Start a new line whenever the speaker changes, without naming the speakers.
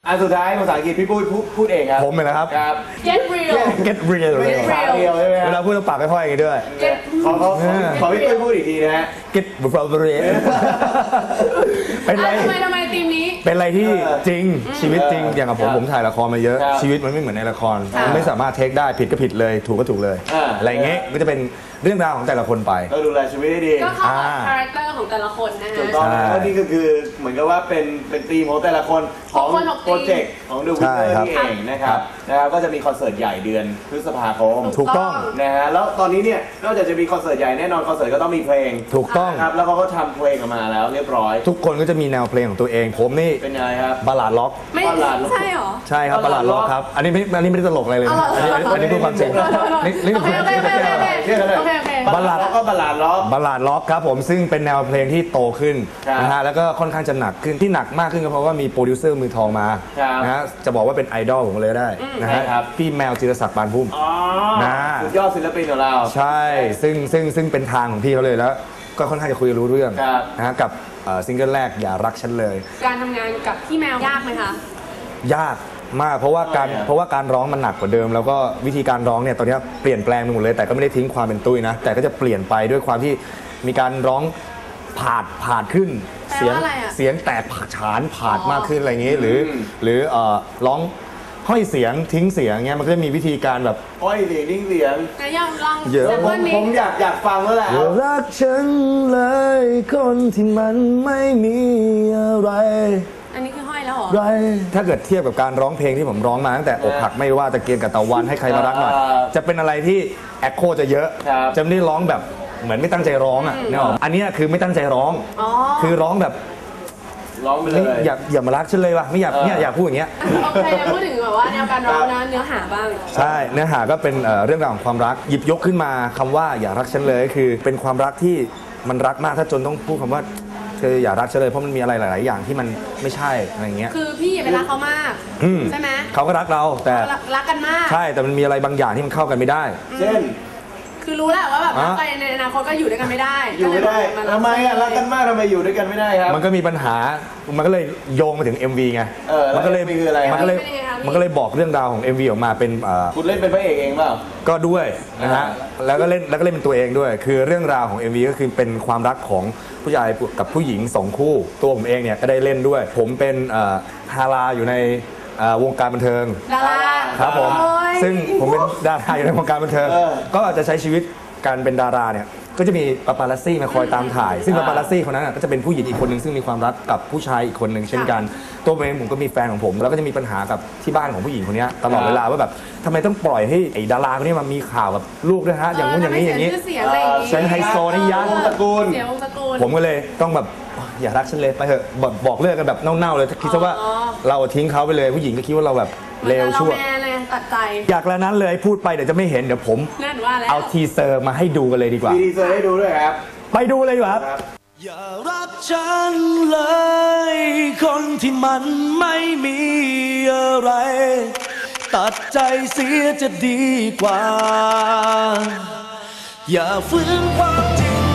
อันสุดท้ายภาษาอังกฤษพี่ปุ้ยพูดเองครับ
ผมเลยนะครับ
get real
get real เลย
ใช่ไหมเวลา
พูดต้องปากค่อยๆอย่างนี้ด้วย
ขอพี่ปุ้ยพูดอีกทีนะฮะ
get real เป็นไร
ทำไมทีมนี้
เป็นอะไรที่จริงชีวิตจริงอย่างกับผมถ่ายละครมาเยอะชีวิตมันไม่เหมือนในละครมันไม่สามารถเทคได้ผิดก็ผิดเลยถูกก็ถูกเลยอะไรเงี้ยก็จะเป็นเรื่องราวของแต่ละคนไป
ก็ดูแลชีวิตได้ดี
ก็เข้ากับคาแรคเตอร์ของแต่ละคนนะฮะ
ถูกต้องแล้วนี่ก็คือเหมือนกับว่าเป็นธีมของแต่ละคนของโปรเจกต์ของดูวิเตอร์นี่เองนะครับก็จะมีคอนเสิร์ตใหญ่เดือนพฤษภาคม
ถูกต้อง
นะฮะแล้วตอนนี้เนี่ยนอกจากจะมีคอนเสิร์ตใหญ่แน่นอนคอนเสิร์ตก็ต้องมีเพลง
ถูกต้อง
ครับแล้วเขาก็ทำเพลงออกมาแล้วเรียบร้อย
ทุกคนก็จะมีแนวเพลงของตัวเองผมนี่
เป็นยังไงครับ
บัลลาดล็อก
ไม่ใช่หรอ
ใช่ครับบัลลาดล็อกครับอันนี้ไม่ได้ตลกอะไรเลยอันนี้พูดความจริงนี่คือ
บัลลาดล็อกก็บัลลาด
ล็อกครับผมซึ่งเป็นแนวเพลงที่โตขึ้นนะฮะแล้วก็ค่อนข้างจะหนักขึ้นที่หนักมากขึ้นก็เพราะว่ามีโปรดิวเซอร์มือทองมานะฮะจะบอกว่าเป็นไอดอลผมเลยได้นะฮะพี่แมวจิรศักดิ์ปานพุ่ม
สุดยอดศิลปินของเรา
ใช่ซึ่งเป็นทางของพี่เขาเลยแล้วก็ค่อนข้างจะคุยรู้เรื่องนะฮะกับซิงเกิลแรกอย่ารักฉันเลย
การทำงานกับพี่แมวยากไหมคะ
ยากมากเพราะว่าการร้องมันหนักกว่าเดิมแล้วก็วิธีการร้องเนี่ยตอนนี้เปลี่ยนแปลงไปหมดเลยแต่ก็ไม่ได้ทิ้งความเป็นตุ้ยนะแต่ก็จะเปลี่ยนไปด้วยความที่มีการร้องผาดขึ้นเสียงแตกฉานผาดมากขึ้นอะไรอย่างนี้หรือร้องห้อยเสียงทิ้งเสียงเงี้ยมันก็จะมีวิธีการแบบ
ห้อยเสียงทิ้งเสียง
แต่ยังลอง
ผมอยากฟังแล้วแหละ
รักฉันเลยคนที่มันไม่มีอะไร
อันนี้คือห้อยแล้วเหรอ
ถ้าเกิดเทียบกับการร้องเพลงที่ผมร้องมาตั้งแต่อกหักไม่ว่าตะเกียงกับตะวันให้ใครมารักหน่อยจะเป็นอะไรที่แอคโคจะเยอะจะไม่ได้ร้องแบบเหมือนไม่ตั้งใจร้องอ่ะเนี่ยอันนี้คือไม่ตั้งใจร้องคือร้องแบบ
ร้องไปเลย
อย่ามารักฉันเลยว่ะไม่อยากพูดอย่างเงี้ย
โอเคพูดถึงแบบว่าแนวการร้องนะเนื้อหาบ้าง
ใช่เนื้อหาก็เป็นเรื่องราวของความรักหยิบยกขึ้นมาคำว่าอย่ารักฉันเลยคือเป็นความรักที่มันรักมากถ้าจนต้องพูดคำว่าเธออย่ารักฉันเลยเพราะมันมีอะไรหลายๆอย่างที่มันไม่ใช่อะไรเงี้ย
คือพี่อย่าไปรักเขามากใช่ไหม
เขาก็รักเราแต่
รักกันมาก
ใช่แต่มันมีอะไรบางอย่างที่มันเข้ากันไม่ได้
เช่น
คือรู้แหละว่าแบบรักไปในอนาคตก็อยู่ด้วยกันไม่ได้
อยู่ไม่ได้ทำไมอ่ะรักกันมากทำไมอยู่ด้วยกันไม่ได้ครับ
มันก็มีปัญหามันก็เลยโยงมาถึง MV ไง
มันก็เลย
บอกเรื่องราวของ MV ออกมาเป็น
คุณเล่นเป็นพระเอกเองเปล่า
ก็ด้วยนะฮะแล้วก็เล่นเป็นตัวเองด้วยคือเรื่องราวของ MV ก็คือเป็นความรักของผู้ชายกับผู้หญิง2คู่ตัวผมเองเนี่ยก็ได้เล่นด้วยผมเป็นฮาราอยู่ในวงการบันเทิง
ดารา
ครับผมซึ่งผมเป็นดาราอยู่ในวงการบันเทิงก็จะใช้ชีวิตการเป็นดาราเนี่ยก็จะมีปาปารัสซี่มาคอยตามถ่ายซึ่งปาปารัสซี่คนนั้นก็จะเป็นผู้หญิงอีกคนหนึ่งซึ่งมีความรักกับผู้ชายอีกคนหนึ่งเช่นกันตัวผมก็มีแฟนของผมแล้วก็จะมีปัญหากับที่บ้านของผู้หญิงคนนี้ตลอดเวลาว่าแบบทำไมต้องปล่อยให้ไอ้ดาราคนนี้มามีข่าวกับลูกด้วยฮะอย่างนู้นอย่างนี้อย่างนี้ฉันไฮโซนี่ยัน
ตระกูล
ผมก็เลยต้องแบบอย่ารักฉันเลยไปเถอะบอกเลิกกันแบบเน่าๆเลยคิดซะว่าเราทิ้งเขาไปเลยผู้หญิงก็คิดว่าเราแบบเลวชั่ว
ตัดใจ
อยากแล้วนั้นเลยพูดไปเดี๋ยวจะไม่เห็นเดี๋ยวผมเอาทีเซอร์มาให้ดูกันเลยดีกว่า
ทีเซอร์ให้ดูด้วยครับ
ไปดูเลยครับอย่ารักฉันเลยคนที่มันไม่มีอะไรตัดใจเสียจะดีกว่าอย่าฝืนความจริง